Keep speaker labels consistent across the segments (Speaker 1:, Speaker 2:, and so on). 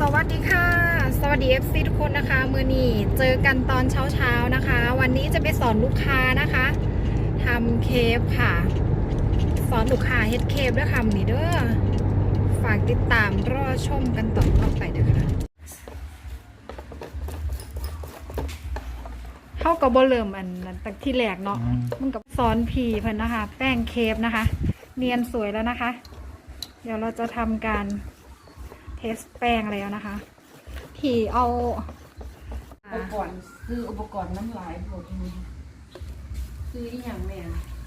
Speaker 1: วัสดีค่ะสวัสดี FC ทุกคนนะคะมือนี้เจอกันตอนเช้านะคะ วันนี้จะไปสอนลูกค้านะคะทำเคฟค่ะสอนลูกค้าเฮ็ดเคฟด้วยค่ะนี่เด้อฝากติดตามรอชมกันต่อไปด้วยค่ะเข้ากับบเริ่มอันนั้นตั้งที่แรกเนาะมันกับสอนผีเพิ่นนะคะแป้งเคฟนะคะเนียนสวยแล้วนะคะเดี๋ยวเราจะทำการเทสแป้งแล้วนะคะที่เอา
Speaker 2: อุปกรณ์คืออุปกรณ์น้ำลายโปรตีนคืออีหยังแม่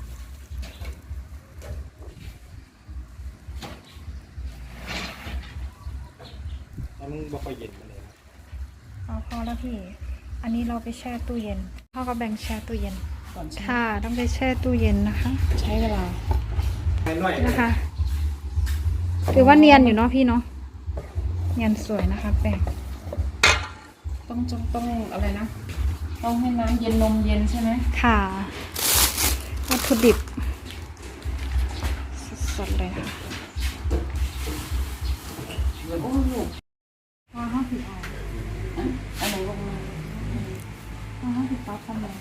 Speaker 3: แล้วมึงบอกค่อยเย็นมาเลย
Speaker 1: พอแล้วพี่อันนี้เราไปแช่ตู้เย็นพ่อก็แบ่งแช่ตู้เย็น
Speaker 2: ก่อน
Speaker 1: ค่ะต้องไปแช่ตู้เย็นนะคะ
Speaker 2: ใช้เวลา
Speaker 1: นะคะถือว่าเนียนอยู่เนาะพี่เนาะเนียนสวยนะคะแป้ง
Speaker 2: ต้องอะไรนะต้องให้น้ำเย็นนมเย็นใช่ไหม
Speaker 1: ค่ะวัตถุดิบสดๆเลยค่ะ
Speaker 2: โอ้ลูก
Speaker 1: พอห้าสิบเอา
Speaker 2: อันไหนลงมา
Speaker 1: พอ50ปั๊บทำเลย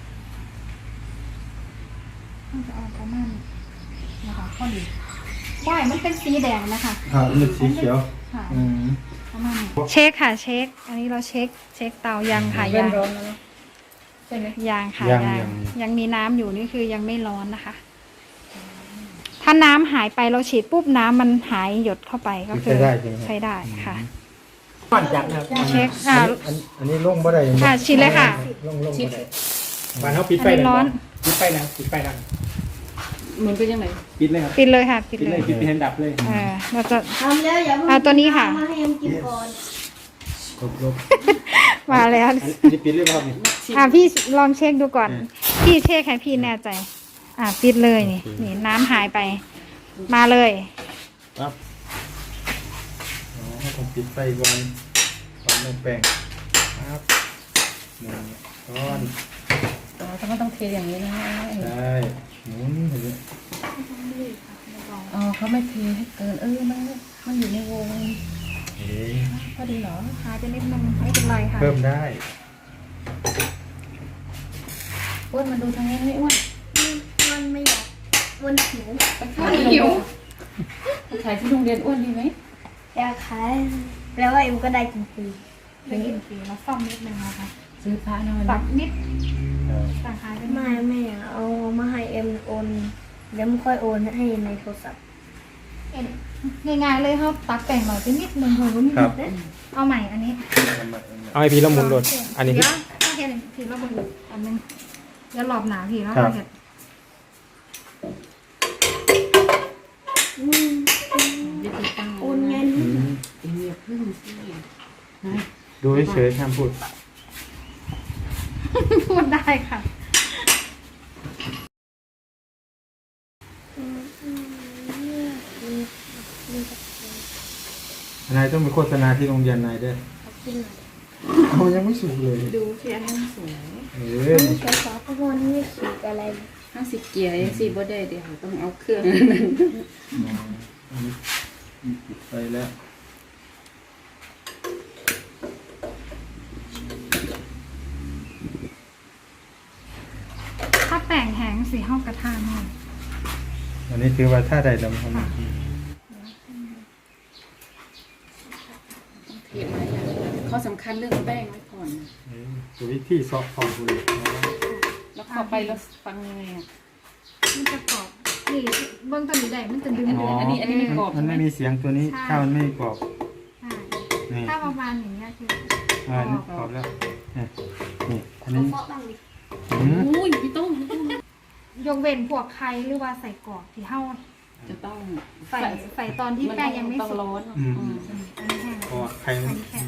Speaker 1: ต้องจะเอาประมาณนะคะข้อดีได้มันเป็นสีแดงนะคะ
Speaker 3: มันสีเขียว
Speaker 1: ค่ะประมาณเช็คค่ะเช็คอันนี้เราเช็คเตายังค่ะยัง
Speaker 2: ใช่ไหม
Speaker 1: ยังค่ะยังมีน้ำอยู่นี่คือยังไม่ร้อนนะคะถ้าน้ำหายไปเราฉีดปุ๊บน้ำมันหายหยดเข้าไปก็คือใช้ได้ค่ะ
Speaker 3: ก่อนจังครับ
Speaker 1: เช็ค
Speaker 3: อันนี้ลงบ่ได้
Speaker 1: ค่ะฉีดเลยค่ะ
Speaker 3: ลงบ่ได้บ้านเขาปิดไฟ
Speaker 1: ร้อน
Speaker 3: ปิดไฟนะ
Speaker 2: เหมือนเป็นยังไง
Speaker 3: ปิดเลยครับ
Speaker 1: ปิดเลยค่ะปิดเลย
Speaker 3: ปิดเห็นดับเลย
Speaker 1: เราจะ
Speaker 4: ทำแล้วอย่าเพิ่ง
Speaker 1: ตัวนี้ค่ะ
Speaker 4: มาให้ยังกินก่อน
Speaker 3: ลบ
Speaker 1: มาแล้ว
Speaker 3: นี่ปิดเลยครับ
Speaker 1: นี่พี่ลองเช็คดูก่อนพี่เช็คให้พี่แน่ใจปิดเลยนี่น้ำหายไปมาเลย
Speaker 3: ครับต้องปิดไฟก่อนไม่แป้งครับก้อน
Speaker 2: ถ้าไม่ต้องเทอย่างนี้นะ
Speaker 3: ได้หมุนเห็นไหม
Speaker 2: เขาไม่เทให้เกินมันอยู่ในวงพอดีเหรอ
Speaker 1: หายไปนิดนึงไม่เป็นไรค่ะ
Speaker 3: เพิ่มได้
Speaker 2: อ้วนมาดูทางนี้ไม่อ้วน
Speaker 4: มันไม่อยากวนหิว
Speaker 2: ไปขายที่โรงเรียนอ้วนดีไหม
Speaker 4: อยากขายแปลว่าเอ็มก็ได้กินฟรี
Speaker 1: ได้กินฟรีมาซ่อมนิดนึงนะคะ
Speaker 2: ซื้อพระหน่อย
Speaker 1: ตัดนิดต่างหายไป
Speaker 4: ไม่เอามาให้เอ็มโอนแล้วไม่ค่อยโอนให้ในโทรศัพท์
Speaker 1: ง่ายๆเลยครับตัดแต่งหน่อยไปนิดนึงเพิ่มเอาใหม่อันนี้
Speaker 3: เอาไอพีละมุนโดดอันนี้
Speaker 1: ถ้าเห็นพีละมุนอันนึงแล้วหลอบหนาพีแล้วเห็น
Speaker 4: โอนเงิน
Speaker 3: ดูเฉยๆห้ามพูด
Speaker 1: ได้ค่ะ
Speaker 3: นายต้องไปโฆษณาที่โรงเรียนนายด้วยเขายังไม่สูงเลย
Speaker 2: ดูที่อันนั้นสูง
Speaker 4: ใช้ซอฟต์พวกนี้สีอะไร
Speaker 2: 50 เกียร์สีบ่ได้เดี๋ยวต้องเอาเครื่อง
Speaker 3: ไปแล้ว
Speaker 1: ถ้าแป้งแห้งสีห้องกระทะหน่อย
Speaker 3: อันนี้คือว่าถ้าใดดำทำ
Speaker 2: ข้อสำคัญเรื่องแป้งไว้ก่อน
Speaker 3: ตัววิธีซอฟต์พอร์ตเลย
Speaker 2: แล้วเข้าไปแล้วฟังยังไง
Speaker 1: มันจะกรอบนี่เบื้องต้นนี้ได้มันจะดึง
Speaker 2: อันนี้ไม่กรอบ
Speaker 3: มันไม่มีเสียงตัวนี้ถ้ามันไม่กรอบ
Speaker 1: ถ้าประมาณอย่างเงี้ยคื
Speaker 3: อกรอบแล้วนี่อันนี้
Speaker 2: อุ้ยพี่ต้อง
Speaker 1: ยกเว้นพวกไข่หรือว่าใส่กรอกที่เห่า
Speaker 2: จะต้อง
Speaker 1: ใส่ตอนที่แป้งยังไม่สุก
Speaker 2: ร้อน
Speaker 1: อันนี้แห้ง
Speaker 3: ไข่มัน
Speaker 2: แข็ง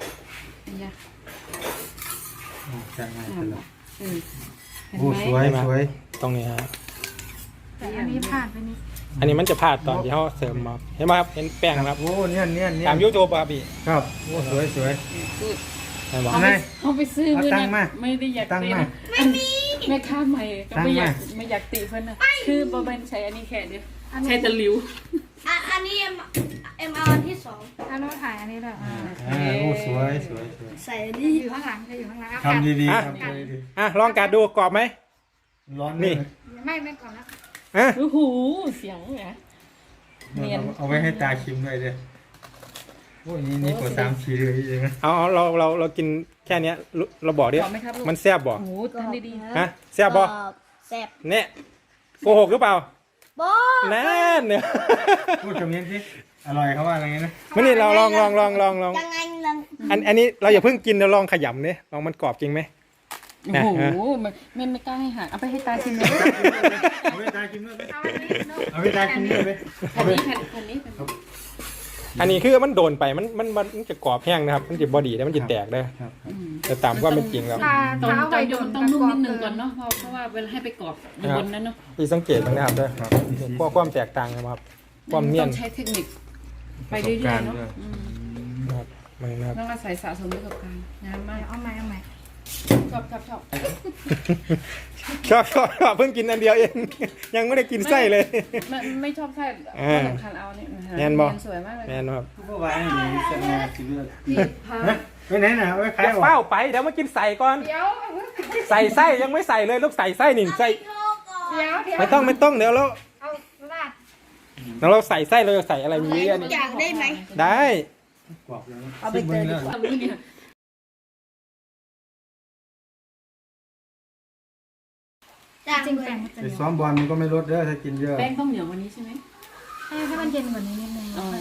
Speaker 3: จะง่ายขึ้นแล้ว
Speaker 2: โอ้
Speaker 3: สวย
Speaker 5: ตรงนี้ฮะ
Speaker 1: แต่อันนี้พลาดไปนิด
Speaker 5: อันนี้มันจะพลาดตอนที่เขาเสริมมาเห็นไหมครับเห็นแป้งครับ
Speaker 3: โอ้เนี่ย
Speaker 5: ตามยูทูบครับพี่
Speaker 3: ครับโอ้สวย
Speaker 2: เขาไปซื้อเงินไม่ได้อยากตีนะไม่ค่าใหม่ก็ไม่อยากตีเพื่อนนะคือบะเบนใช้อันนี้แค่เดียวใช้ตะลิว
Speaker 4: อันนี้เอ็มเอาอันที่2
Speaker 1: อันนู้นถ่ายอันนี้ด้วย
Speaker 3: โอ้สวยสวย
Speaker 4: ใส่
Speaker 1: จะ
Speaker 4: ดี
Speaker 1: อยู่ข้างหลังจะอยู่ข้างหลัง
Speaker 3: ทำดีๆทำดี
Speaker 5: อ่ะลองกัดดูกรอบไหม
Speaker 3: ๆร้อน
Speaker 5: นี่
Speaker 1: ไม่ก่อนแล้ว
Speaker 5: อ่ะ
Speaker 2: โอ้โหเสียงไง
Speaker 3: เอาไว้ให้ตาชิมด้วยเด้อโอ้ยนี่กว่า3-4เลยเองนะ
Speaker 5: เอาเรากินแค่เนี้ยเราบอกดิ
Speaker 2: บอกไหมครับลูก
Speaker 5: มันแซ่บบ่
Speaker 2: โอ้โหทำดีๆ
Speaker 5: ฮะแซ่บบ่
Speaker 4: แซ่บ
Speaker 5: เนี่ยโกหกหรือเปล่า
Speaker 4: บ่
Speaker 5: นั่นเนี่ย
Speaker 3: พูดคำนี้สิอร่อยเขาว่าอะไรนะ
Speaker 5: มันนี่เราลอง
Speaker 4: ยังไงลัง
Speaker 5: อันนี้เราอย่าเพิ่งกินเราลองขยำเนี่ยลองมันกรอบจริงไหม
Speaker 2: โอ้โหไม่กล้าให้หาเอาไปให้ตาชิมเลย
Speaker 3: เอาไปตาชิมด้วยไหม
Speaker 1: เอาอันนี้
Speaker 3: เอาไปตาชิมด้วยไหม
Speaker 2: อันนี้อันนี้
Speaker 5: อันนี้คือมันโดนไปมันจะกรอบแห้งนะครับ มันจะบอดีแล้วมันจะแตกได้
Speaker 3: ครับ
Speaker 5: แต่ตามความเป็นจริงแล้ว
Speaker 2: ตอน
Speaker 1: เท้า
Speaker 2: ต
Speaker 1: ไป
Speaker 2: อน
Speaker 1: โด
Speaker 2: โย
Speaker 1: น
Speaker 2: นต้องนุ่มนิดนึงก่อนเนาะเพราะว่าเวลาให้ไปกรอบอยู่บนนั้นเนาะ
Speaker 5: ที่สังเกตมันนะครับด้วยพวกความแตกต่างนะครับความเนีย
Speaker 2: ต้
Speaker 5: น
Speaker 2: องใช้เทคนิคไปเรื่อยๆเนาะ
Speaker 5: นะครับมันนะครับ
Speaker 2: ต้องอาศัยสะสมประสบการณ์งานมาก
Speaker 1: เอาใหม่
Speaker 2: ชอบ
Speaker 5: ชอบเพิ่งกินอันเดียวเอง ยังไม่ได้กินไส้เลย
Speaker 2: ไม่ชอบไส้สำคัญเอาเนี่ย
Speaker 5: แน่นบ่
Speaker 2: สวยมากเลย
Speaker 5: แน่นครับ
Speaker 3: ผู้ว่าให้หนูจะมาชิมด้วย
Speaker 2: ที่พา
Speaker 3: ไปไหนน่ะเอาไป
Speaker 5: อ
Speaker 3: ขาย
Speaker 5: ย่า
Speaker 3: หรอ
Speaker 5: เฝ้าไปเดี๋ยวมากินใส่ก่อน
Speaker 1: เดี๋ยว
Speaker 5: ใส่ไส้ยังไม่ใส่เลยลูกใส่ไส้หนึ่งใส่
Speaker 1: เดี๋ยว
Speaker 5: ไม่ต้องเดี๋ยวเรา
Speaker 1: เอาลาด
Speaker 5: เราใส่ไส้เราจะใส่อะไรมีเยอะ
Speaker 4: ทุ
Speaker 5: นี่
Speaker 4: กอย่างได้ไหม
Speaker 5: ได้
Speaker 3: กรอบเลยนะ
Speaker 2: เอาไปเจอดีกว่ามื้อเนี่ย
Speaker 4: จ้าง
Speaker 1: จริง
Speaker 4: เล
Speaker 1: แป้
Speaker 4: ย
Speaker 1: งมันจะ
Speaker 3: ไป
Speaker 1: เหนียว
Speaker 3: ซ้อมบอลมันก็ไม่ลดเด้อถ้ากินเยอะ
Speaker 2: แป้งต้องเหนียวกว่านี้ใช่ไหม
Speaker 1: ให้มันเย็นกว่านี้นิดนึง
Speaker 2: อ๋อ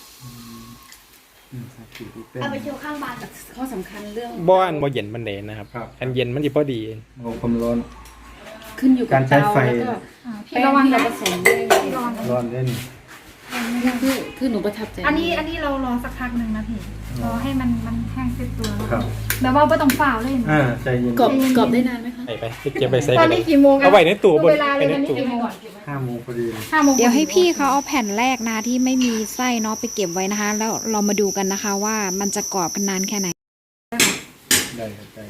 Speaker 4: เอาไปโชว์ข้างบ้าน
Speaker 2: ข้อสำคัญเรื่อง
Speaker 5: บ้านบ่เย็นมันเดนนะครับอันเย็นมันจะพอดี
Speaker 3: โอ้ความร้อน
Speaker 2: ขึ้นอยู่กับ
Speaker 3: การใช้
Speaker 2: เตา
Speaker 3: ไฟ
Speaker 2: แล้วก็
Speaker 1: พี่
Speaker 2: แป้ง
Speaker 1: ระวัง
Speaker 2: ที่เรา
Speaker 1: นะ
Speaker 2: ผสมด้วย
Speaker 1: พี่ระวังนะ
Speaker 3: ร้อนเล่น
Speaker 2: คือหนูประทับใจ
Speaker 1: อันนี้เรารอสักพักหนึ่งนะพี่รอให้มันแห้งเสร็จตัวแล้ว
Speaker 3: ครับ
Speaker 1: แบบว่าไม่ต้องฝ่าเลย
Speaker 3: ใจเย็น
Speaker 2: กรอบได้นานไหมคะ
Speaker 5: ไปเก็บไปใส่
Speaker 1: ตอนนี้กี่โมง
Speaker 5: เอาไว้ในตู้บน
Speaker 1: เวลาเลย
Speaker 5: ใน
Speaker 1: นะนี่
Speaker 5: ตู้
Speaker 1: กี่โมง
Speaker 3: 5 โมงพอดีเลย
Speaker 1: 5 โมง
Speaker 6: เดี๋ยวให้พี่เขาเอาแผ่นแรกนะที่ไม่มีไส้เนาะไปเก็บไว้นะคะ แล้วเรามาดูกันนะคะว่ามันจะกรอบกันนานแค่ไหน
Speaker 3: ได้ครับได้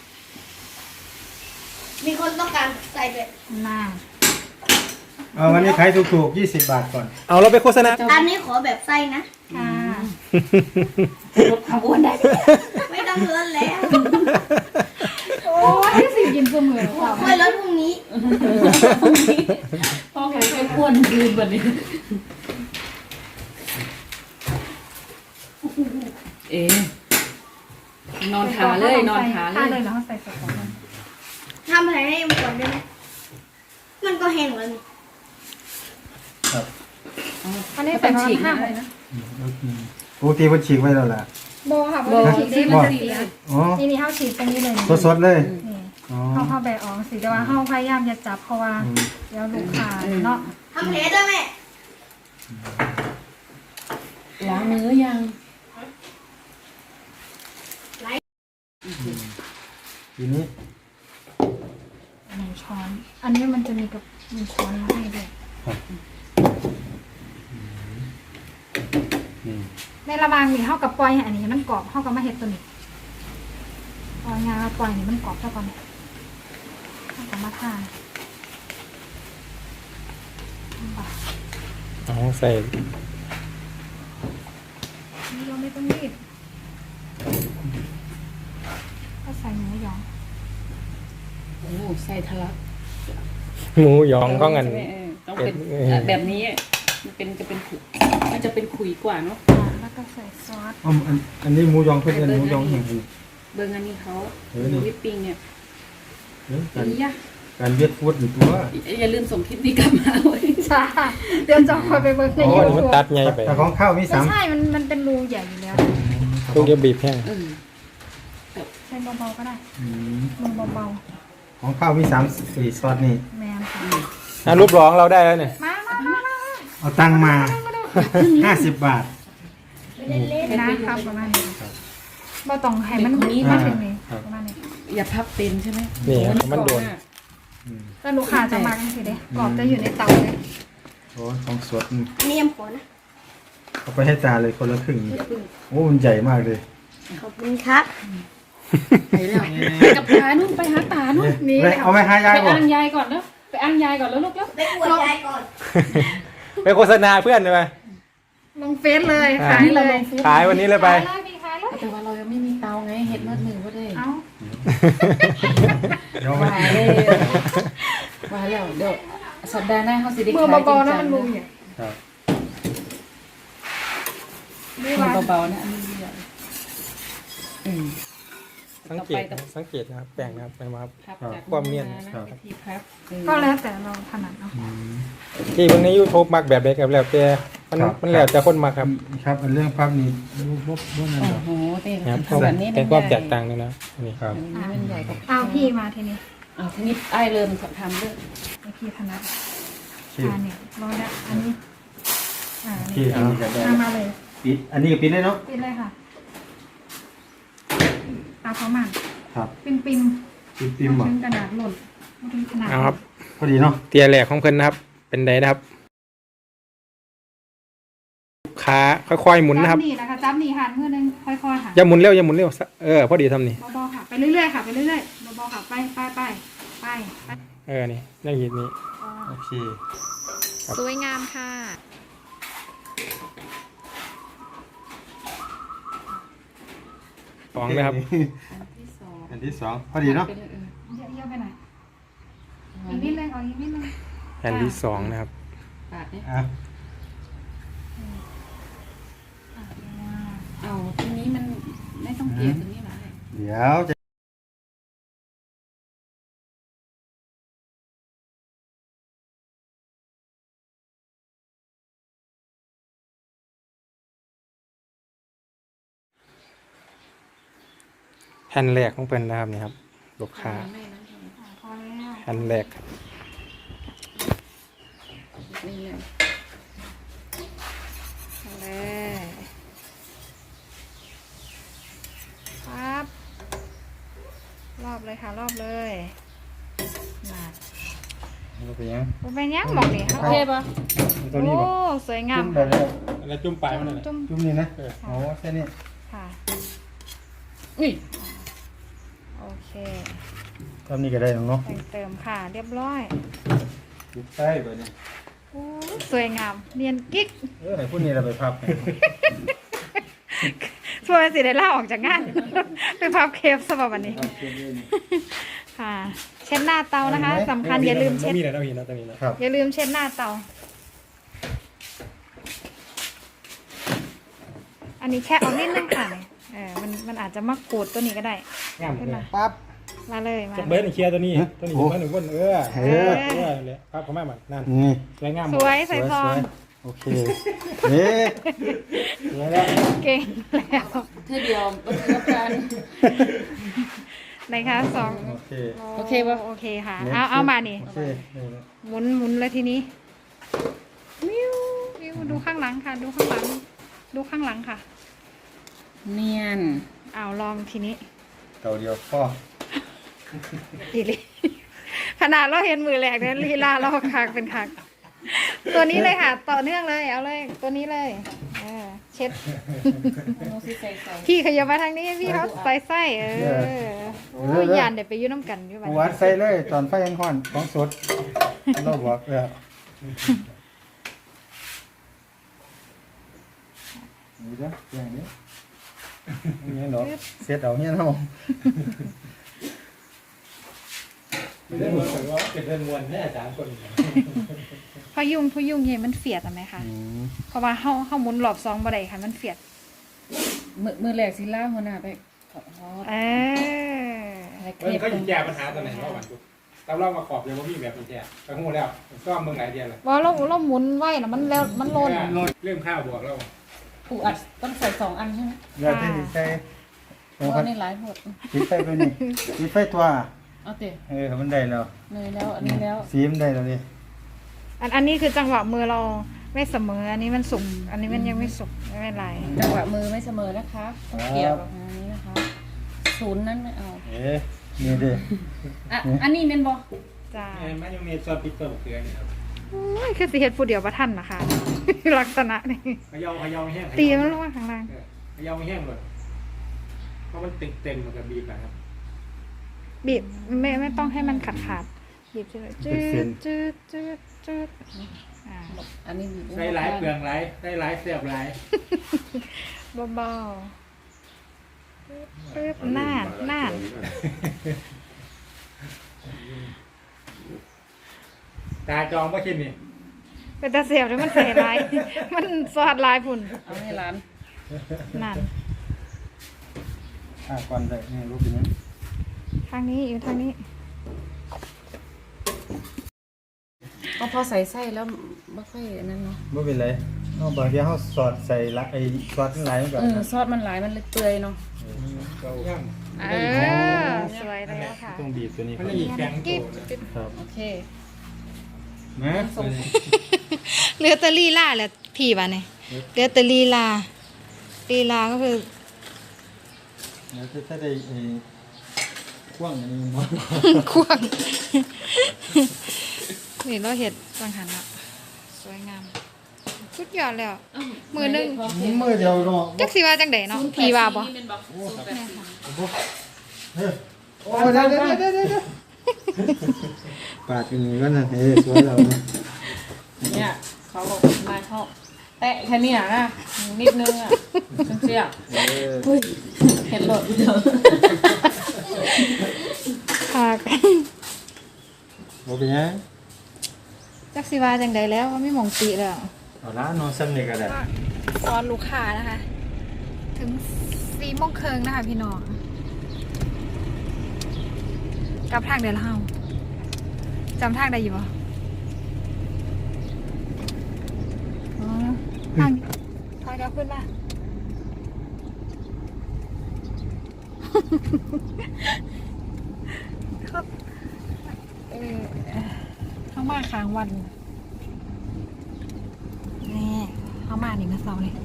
Speaker 4: มีคนต้องการใส่ด้วย
Speaker 1: น่า
Speaker 3: เอาวันนี้ขายถูกๆ20 บาทก่อน
Speaker 5: เอาเราไปโฆษณา
Speaker 4: อันนี้ขอแบบไส้นะ
Speaker 1: ค่ะ
Speaker 2: ลดความอ้วนได้
Speaker 4: ไม่ต้องลดแล้ว
Speaker 1: โอ้ยสิยินเสมอค่ะ
Speaker 4: ค่อยลดพรุ่งนี้
Speaker 2: พ่อแกเคยอ้วนยืนแบบนี้เอ๋นอนขาเลยนอนขาเลย
Speaker 1: เลยแล้วใส่ใส่ของมัน
Speaker 4: ทำอะไรให้มันก่อนได้ไหมมันก็แห้งแล้วนี่
Speaker 3: ครับ
Speaker 1: อันนี้
Speaker 2: เป็
Speaker 1: ใส่
Speaker 2: น
Speaker 1: ประ
Speaker 2: ฉี
Speaker 1: มาณ
Speaker 2: ก
Speaker 1: 5
Speaker 2: ได้นะ
Speaker 3: ปกติมันฉีกไว้แล้วล่ะ
Speaker 1: โบค่ะเพราะว่าฉีกได้มันจะเสีย
Speaker 3: อ๋อ
Speaker 1: นี่เขาฉีกตรงนี้เลย
Speaker 3: สดๆเลย
Speaker 1: นี่
Speaker 3: อ๋อ
Speaker 1: เข้าแบะออกสิแต่ว่าเข้าพยายามจะจับเพราะว่าเดี๋ยวลูกค้าเนาะ
Speaker 4: ทำแผลด้วยแม่
Speaker 2: ล้างมือยัง
Speaker 3: ทีนี้
Speaker 1: 1 ช้อน อันนี้มันจะมีกับ1 ช้อนมาให้ด้วย
Speaker 3: นี่
Speaker 1: ในระหว่างนี้เข้ากับปล่อยให้อันนี้มันกรอบเข้ากับมาเห็ดตัวนี้ปล่อยงาปล่อยนี่มันกรอบเท่ากันเข้ากับมาทาน
Speaker 5: เอาใส่
Speaker 1: นี่เราไม่ต้องรีบก็ใส่หมูหยอง
Speaker 2: โอ้ใส่ทะลัก
Speaker 5: หมูหยองก็งัน
Speaker 2: ต้องเป็นแบบนี้มันจะเป็นขุยกว่าเนาะ
Speaker 1: แล้วก็ใส่ซอส
Speaker 3: อันนี้หมูยองเพื่อนหมูยองแห่ง
Speaker 2: เบอร์งานนี้เขา
Speaker 3: เออนี่
Speaker 2: วิปปิ้งเนี่ย
Speaker 3: การ
Speaker 2: ยะ
Speaker 3: การเวียดฟูดอยู่ตัว
Speaker 2: อย่าลืมส่งคลิปนี้กลับมาเว้ย
Speaker 1: ใช่เดี๋ยวจะคอยไปเบิร์กใน
Speaker 5: อ๋อ
Speaker 1: ยู
Speaker 5: อันนี้
Speaker 1: ทู
Speaker 5: มัน
Speaker 1: บ
Speaker 5: ตัดไงไป
Speaker 3: แต่ของข้าวมี
Speaker 1: ไม่ใช่มันเป็นรูใหญ่อยู่แล้ว
Speaker 5: ลูกเดียวบีบแห้ง
Speaker 1: ใช้เบาๆก็ได้
Speaker 3: 3
Speaker 1: มือเบา
Speaker 3: ของข้าวมี3-4ซอสนี่
Speaker 1: ๆแมนค่ะ
Speaker 5: รูปร้องเราได้แล้วเนี่ย
Speaker 1: มา
Speaker 3: เอาตังค์มา50 บาท
Speaker 1: นะครับประมาณนี้บ่ต้องให้มันมาถึงนี่ประมาณนี้
Speaker 2: อย่าพับเป็นใช่ไหม
Speaker 5: นี่มันโดน
Speaker 1: แล้วลูกค้าจะมากันสิเด้กรอบจะอยู่ในเตาเลย
Speaker 3: โอ้ของสด
Speaker 4: อันนี้ยังผลนะ
Speaker 3: เอาไปให้ตาเลยคนละครึ่งโอ้มันใหญ่มากเลย
Speaker 4: ขอบคุณครับ
Speaker 2: ไปแล้วกับตานู่นไปหาตานู่น
Speaker 1: นี่
Speaker 3: เอาไปหายาย
Speaker 2: ไป
Speaker 3: ก่อน
Speaker 2: อ่างยายก่อนแล้วไปอ่างยายก่อนแล้วลูกแล้ว
Speaker 4: ไปอวดยายก่อน
Speaker 5: ไปโฆษณาเพื่อนเลยไหม
Speaker 1: ลงเฟซเลย
Speaker 5: อ่า
Speaker 1: ขายเลย
Speaker 5: ขายวันนี้เลยไป
Speaker 1: ขายเลยมีขายเลย
Speaker 2: แต่ว่าเรายังไม่มีเตาไงเห็ดมัดหนึ่งก็ได้
Speaker 1: เอา
Speaker 3: เดี๋ยวไป
Speaker 2: ว่าเลยว่าแล้วเดี๋ยวสัปดาห์หน้าเขาสิได้
Speaker 1: มือ
Speaker 2: ขายจ
Speaker 1: เบา
Speaker 2: ริง
Speaker 1: ๆนะ
Speaker 2: จั
Speaker 1: มัน
Speaker 2: ง
Speaker 1: มุมเนี่ย
Speaker 3: ครับ
Speaker 1: มื
Speaker 2: มื
Speaker 1: อ
Speaker 2: อ
Speaker 1: เบา
Speaker 2: เบาๆนะอันนี้เดียว
Speaker 5: สังเกตนะครับแป้งนะครับไปมาครับ
Speaker 2: พับจาก
Speaker 5: ความเนียน
Speaker 2: นะวิธีพับ
Speaker 1: ก็แล้วแต่เราถนัดเนาะ
Speaker 5: ที่เบิ่งใน YouTube มักแบบใดครับแล้วแต่มันแล้วแต่คนมักครับ
Speaker 3: ครับอันเรื่องภาพนี้บ่นั่น
Speaker 2: โอ้
Speaker 3: ดอก
Speaker 2: โหเต้น
Speaker 5: ครับ
Speaker 2: อันนี้
Speaker 5: แต่ความแตกต่างเลยนะนี่
Speaker 3: ครับ
Speaker 2: อันนี้มันใหญ่กว่า
Speaker 1: เอาพี่มาทีนี้
Speaker 2: ทีนี้ไอ้เริ่มทำเรื่อง
Speaker 1: ไอพี่ถนัด
Speaker 3: ชื่อ
Speaker 1: เนี่ยรอแล้วอันนี้
Speaker 3: ที่
Speaker 1: นี่
Speaker 3: อันนี้จะได้
Speaker 1: มาเลย
Speaker 3: ปิดอันนี้ก็ปิดเลยเนาะ
Speaker 1: ปิดเลยค่ะตาเขามัน
Speaker 3: ครับ
Speaker 1: ปิ่ม
Speaker 3: ปิด
Speaker 1: ๆ
Speaker 3: ปิมบ่
Speaker 1: ถึงกระดาษหล่นไม่ถึงขนาด
Speaker 5: เอาครับ
Speaker 3: พอดีเนาะ
Speaker 5: เตียแหลกของเพิ่นนะครับ เป็นไดนะครับขาค่อยๆหมุนนะครับ
Speaker 1: จับนี่นะคะจับนี่ค่ะมือนึงค่อยๆค่ะ
Speaker 5: อย่าหมุนเร็วอย่าหมุนเร็วพอดีทำนี่
Speaker 1: เบาๆค่ะไปเรื่อยๆค่ะไปเรื่อยๆเบาๆค่ะไป
Speaker 5: นี่อย่างนี้
Speaker 3: โอเค
Speaker 6: สวยงามค่ะ
Speaker 5: สองเลยครับ
Speaker 2: ที่สอง
Speaker 3: อันที่สองพอดีเนาะ
Speaker 1: เยอะๆไปหน่อยอีกนิดนึงเอาอีกนิดนึง
Speaker 5: แผ่นที่สองนะครับ
Speaker 2: ปาดเนี่ย
Speaker 3: อ่ะ
Speaker 2: เอาทีนี้มันไม่ต้องเกลี่ยตรงนี้หรอ
Speaker 3: เดี๋ยวจะ
Speaker 5: แผ่นแรกของเพิ่นนะครับนี่ครับลูกค้า
Speaker 1: พอแล้ว
Speaker 5: แผ่นแรกครับ
Speaker 2: นี่เลย
Speaker 1: เลยครับรอบเลยค่ะรอบเลยมา
Speaker 3: เราไปยัง
Speaker 1: เป็นยังบอกนี่ค่ะ
Speaker 2: โอเคปะ
Speaker 3: ตัวนี้
Speaker 1: โอ้
Speaker 3: บ่
Speaker 1: สวยงาม
Speaker 3: จุ่มไป
Speaker 1: ค่ะ
Speaker 3: เลย
Speaker 5: แล้วจุ่มปลายมันอะไร
Speaker 1: จุ่ม
Speaker 3: จุ่มนี่นะโอ้แค่นี้
Speaker 1: ค่ะ
Speaker 2: นี่
Speaker 1: โอเค
Speaker 3: ทำนี่ก็ได้เนาะ
Speaker 1: แต่งเติมค่ะเรียบร้อย
Speaker 3: จุดใต้ไปเนี่ย
Speaker 1: โอ้สวยงามเนียนกิ๊ก
Speaker 3: ไหนพวกนี้เราไปพับ
Speaker 1: ช่วยสิได้ล่าออกจากงาน ไปพับเคฟสำหรับวันนี้ ค่ะ เช็ดหน้าเตานะคะสำคัญอย่าลืมเช็ด
Speaker 5: มีอะไรต้องมีนะตรงนี้นะครับ
Speaker 1: อย่าลืมเช็ดหน้าเตา อันนี้แค่เอานิดนึงค่ะมันอาจจะมากรูดตัวนี้ก็ได้
Speaker 5: งาม
Speaker 1: ขึ้น
Speaker 5: เล
Speaker 1: มา
Speaker 5: ย
Speaker 3: ปั๊บ
Speaker 1: มาเลยมา
Speaker 5: จะเบิร์ดเคลียร์ตัวนี้ตัวนี้
Speaker 3: โอ้
Speaker 5: จะเบิร์ดหนึ่งคนเลยครับเขาแม่มันนั่น
Speaker 3: นี่
Speaker 5: สวยงาม
Speaker 1: สวยใส่ซอง
Speaker 3: โอเคเฮ้ยสวยแล้ว
Speaker 1: เก่งแล้ว
Speaker 2: เธอเดียวบนเรือกัน
Speaker 1: นะคะสอง
Speaker 3: โอเค
Speaker 2: โอเคปะ
Speaker 1: โอเคค่ะ เอามานี่
Speaker 3: โอเคนี่นะ
Speaker 1: หมุนเลยทีนี้วิววิวดูข้างหลังค่ะ ดูข้างหลัง ดูข้างหลังค่ะ
Speaker 2: เนียน
Speaker 1: เอาลองทีนี้
Speaker 3: เตาเดียวพ่อ
Speaker 1: อีหลีขนาดเราเห็นมือแรกเนี่ยลีลาเราคักเป็นคักตัวนี้เลยค่ะ ต่อเนื่องเลยเอาเลยตัวนี้เลยเช็ด
Speaker 2: น้องสิใส่ใส่
Speaker 1: พี่ขยับมาทางนี้พี่เขาใส่ไส้โอ้ยยันเดี๋ยวไปยุ่น้ำกันอยู่บ้า
Speaker 3: วัดใส่เลยตอนไฟยังห่อนของสดเราบอกนี่จ้ะอย่างนี้นี่เนาะเสร็จเอาเนี่ยเนาะ
Speaker 5: เป็นเรื่องมวลว่าเป็นเรื่องมวลแน่อาจารย์คน
Speaker 1: พยุงเห็นมันเฟียดไหมคะเพราะว่าเข้าหมุนหลอบซองบ่ได้ค่ะมันเฟียด
Speaker 2: มือแหลกสิล่าหัวหน้าไปขอโทษอะไร
Speaker 5: เฮ้ยเขาหยิบแก้ปัญหาตอนไหนรอบวันกูเราเล่ามาขอบเลยว่าพี่แบบมันแก้ไปหูแล้วก็เมืองไหนเดียวเลย
Speaker 1: ว่าเราหมุนไว้นะมันแล้วมันโลน
Speaker 5: เรื่องข้าวบวกแล้ว
Speaker 2: ผูอัดต้องใส่2 อันใช่ไหม
Speaker 3: เดี๋ยวที่ใส่
Speaker 2: เพราะนี่หลายหมด
Speaker 3: ปิดไฟไปนี่ปิดไฟตัว
Speaker 2: เอาเตะ
Speaker 3: มันได้แล้ว
Speaker 2: เลยแล้วอันนี้แล้ว
Speaker 3: สีมันได้แล้วนี่
Speaker 1: อันนี้คือจังหวะมือเราไม่เสมออันนี้มันสุกอันนี้มันยังไม่สุกไม่เป็นไร
Speaker 2: จังหวะมือไม่เสมอนะคะต้องเกี่ยวกับอันนี้นะคะ0นั้นไม่เอา
Speaker 3: นี่ดิ
Speaker 2: อันนี้เป็นบอ
Speaker 1: จ้า
Speaker 5: มันยังมีซอสพริกเกลือเกลือนี่ครับ
Speaker 1: โอ้ยคือสิเฮ็ดผู้เดียวประทันนะคะ ลักษณะนี่
Speaker 5: ขยาวแห้ง
Speaker 1: ตีมันลงมาข้างล่าง
Speaker 5: ขยาวแห้งเลยเพราะมันเต็มมันกับบีบนะครับ
Speaker 1: บีบไม่ต้องให้มันขาดบีบจืดจืดจืดอ่า
Speaker 2: อันนี้บีบ
Speaker 3: ใส่หลายเปลืองหลายได้หลายเสียบหลาย
Speaker 1: เบาๆปึ๊บน่าน
Speaker 3: ตาจองบ่คิดนี่
Speaker 1: เป็นตาเสียบแล้วมันใส่ลาย มันสอดลายพุ่น
Speaker 2: เอาให้ร้าน
Speaker 1: นั่น
Speaker 3: ก่อนได้นี่รู้เป็นยัง
Speaker 1: ทางนี้อยู่ทางนี้
Speaker 2: ก็พอใส่ไส้แล้วไม่ค่อยอันนั้นเนาะ
Speaker 3: บ่เป็นไรเอาบางทีเฮาสอดใส่ละไอ้ซอสหลายมันก็
Speaker 2: ซอสมันหลายมันเลยเปื่อยเนาะ
Speaker 3: เกาย่าง
Speaker 1: สวยแล้วค่ะ
Speaker 3: ต้องบีบตัวนี้มันอีกแข็ง
Speaker 1: กิ๊บ
Speaker 3: ครับ
Speaker 2: โอเค
Speaker 3: นะ
Speaker 1: เหลือแตลีลาแหละพี่ป่ะเนี่ยเหลือแตลีลาก็คือ
Speaker 3: แล้วถ้าได้กว้างอันนี้บ่
Speaker 1: ควงนี่เราเห็ดสังหันอ่ะสวยงามสุดยอดแล้วมือหนึง
Speaker 3: มือเดียวเนาะ
Speaker 1: จักสิว่าจังไดเนาะพี่ว่าบ่
Speaker 3: โอ้เดี๋ยวปาดกันนี่ก็นะเฮ้ยสวยแล้วนะ
Speaker 2: เนี่ยเขาบอกนายเขาแตะแค่เนี้นะนิดนึงอ่ะจังเสียเห็นหลดเดียว
Speaker 1: ค่ะ
Speaker 3: บ่เป็นยัง
Speaker 1: จักสิว่าจังไดแล้วว่าไม่หมองติแล้ว
Speaker 3: เอาละนอนซ้ำนี่ก็ได้
Speaker 1: ตอนลูกค้านะคะ ถึง4 โมงครึ่งนะคะพี่น้องกลับทางเดินเฮาจำทางได้อยู่ปะอ๋อทางถอยเดี๋ยวขึ้นมา ครับเข้ามาค้างวันนี่เข้ามา1 กับ 2เลย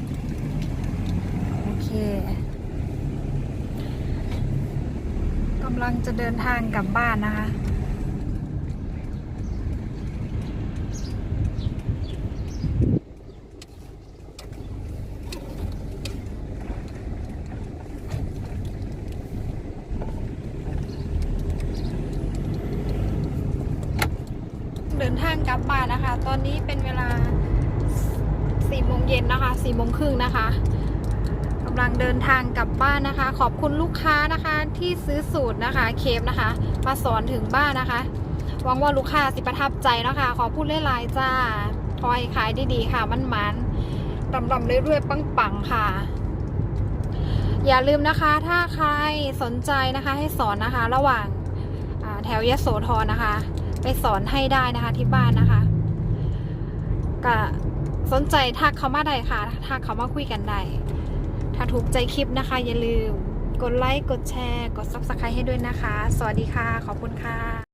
Speaker 1: โอเคกำลังจะเดินทางกลับบ้านนะคะเดินทางกลับบ้านนะคะ ตอนนี้เป็นเวลา4 โมงเย็นนะคะ4 โมงครึ่งนะคะกำลังเดินทางกลับบ้านนะคะ ขอบคุณลูกค้านะคะที่ซื้อสูตรนะคะเคฟนะคะมาสอนถึงบ้านนะคะหวังว่าลูกค้าสิประทับใจนะคะขอพูดหลายๆจ้าคอยขายดีๆค่ะมันๆรำๆเรื่อยๆปังๆค่ะ อย่าลืมนะคะถ้าใครสนใจนะคะให้สอนนะคะ ระหว่างแถวยโสธรนะคะ ไปสอนให้ได้นะคะที่บ้านนะคะก็สนใจทักเขามาได้ค่ะทักเขามาคุยกันได้ถ้าถูกใจคลิปนะคะอย่าลืมกดไลค์กดแชร์กด Subscribe ให้ด้วยนะคะสวัสดีค่ะขอบคุณค่ะ